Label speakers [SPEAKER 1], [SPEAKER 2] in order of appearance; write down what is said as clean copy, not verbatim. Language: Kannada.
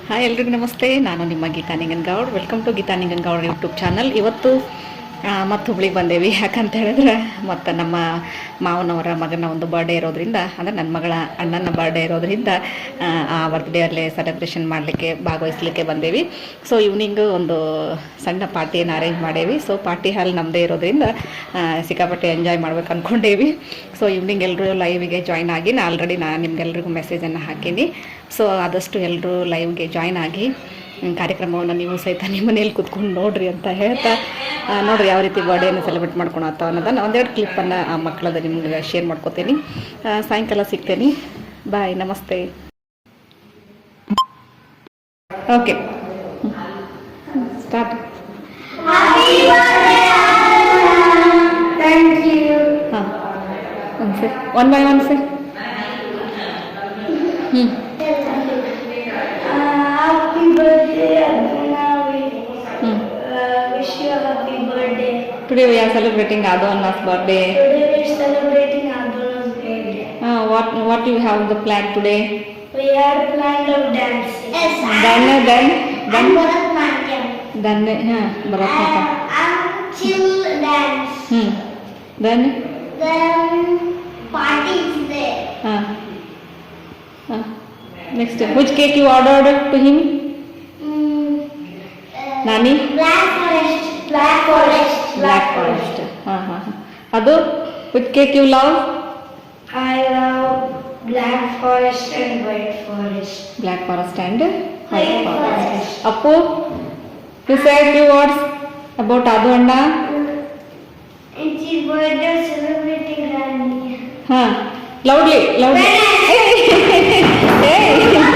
[SPEAKER 1] ಹಾಯ್ ಎಲ್ರಿಗೂ ನಮಸ್ತೆ. ನಾನು ನಿಮ್ಮ Geeta Ningangoud. Welcome to Geeta Ningangoud YouTube channel. ಇವತ್ತು ಮತ್ತು ಹುಬ್ಳಿಗೆ ಬಂದೇವಿ. ಯಾಕಂತ ಹೇಳಿದ್ರೆ ಮತ್ತು ನಮ್ಮ ಮಾವನವರ ಮಗನ ಒಂದು ಬರ್ಡೇ ಇರೋದ್ರಿಂದ, ಅಂದರೆ ನನ್ನ ಮಗಳ ಅಣ್ಣನ ಬರ್ಡೇ ಇರೋದ್ರಿಂದ ಆ ಬರ್ತ್ಡೇ ಅಲ್ಲೇ ಸೆಲೆಬ್ರೇಷನ್ ಮಾಡಲಿಕ್ಕೆ ಭಾಗವಹಿಸ್ಲಿಕ್ಕೆ ಬಂದೇವಿ. ಸೊ ಈವ್ನಿಂಗು ಒಂದು ಸಣ್ಣ ಪಾರ್ಟಿಯನ್ನು ಅರೇಂಜ್ ಮಾಡೇವಿ. ಸೊ ಪಾರ್ಟಿ ಹಾಲ್ ನಮ್ಮದೇ ಇರೋದ್ರಿಂದ ಸಿಕ್ಕಾಪಟ್ಟೆ ಎಂಜಾಯ್ ಮಾಡ್ಬೇಕು ಅಂದ್ಕೊಂಡೇವಿ. ಸೊ ಈವ್ನಿಂಗ್ ಎಲ್ಲರೂ ಲೈವಿಗೆ ಜಾಯ್ನ್ ಆಗಿ ಆಲ್ರೆಡಿ ನಾನು ನಿಮ್ಗೆಲ್ರಿಗೂ ಮೆಸೇಜನ್ನು ಹಾಕೀನಿ. ಸೊ ಆದಷ್ಟು ಎಲ್ಲರೂ ಲೈವ್ಗೆ ಜಾಯ್ನ್ ಆಗಿ ಕಾರ್ಯಕ್ರಮವನ್ನು ನೀವು ಸಹಿತ ನಿಮ್ಮ ಮನೇಲಿ ಕೂತ್ಕೊಂಡು ನೋಡ್ರಿ ಅಂತ ಹೇಳ್ತಾ, ನೋಡಿರಿ ಯಾವ ರೀತಿ ಬರ್ಡೇನ ಸೆಲೆಬ್ರೇಟ್ ಮಾಡ್ಕೊಳತ್ತ ಅನ್ನೋದನ್ನು ಒಂದೆರಡು ಕ್ಲಿಪ್ಪನ್ನು ಆ ಮಕ್ಕಳದ ನಿಮ್ಗೆ ಶೇರ್ ಮಾಡ್ಕೋತೀನಿ. ಸಾಯಂಕಾಲ ಸಿಗ್ತೇನೆ. ಬಾಯ್, ನಮಸ್ತೆ. Okay, start. ಹಾಂ, ಒಂದು ಸರಿ, ಒನ್ ಬೈ ಒನ್ ಸರಿ.
[SPEAKER 2] Happy birthday, Abhinavi. Wish you a happy birthday.
[SPEAKER 1] Today we are celebrating Adonna's birthday.
[SPEAKER 2] Today we are celebrating Adonna's birthday.
[SPEAKER 1] What you have the plan today?
[SPEAKER 2] We are planning of dancing. Yes,
[SPEAKER 1] Then
[SPEAKER 2] Bharatanatyam.
[SPEAKER 1] Bharatanatyam.
[SPEAKER 2] Chill dance.
[SPEAKER 1] Then
[SPEAKER 2] Party is there.
[SPEAKER 1] Next, which cake you ordered to him? Nani?
[SPEAKER 2] Black forest. Black forest.
[SPEAKER 1] Black forest. Adu, which cake you love?
[SPEAKER 2] I love black forest and white forest.
[SPEAKER 1] Black forest and white
[SPEAKER 2] White
[SPEAKER 1] forest.
[SPEAKER 2] forest.
[SPEAKER 1] Appu, you said few words about Adu Anna.
[SPEAKER 2] It's his birthday celebrating Rani.
[SPEAKER 1] Loudly. Hey.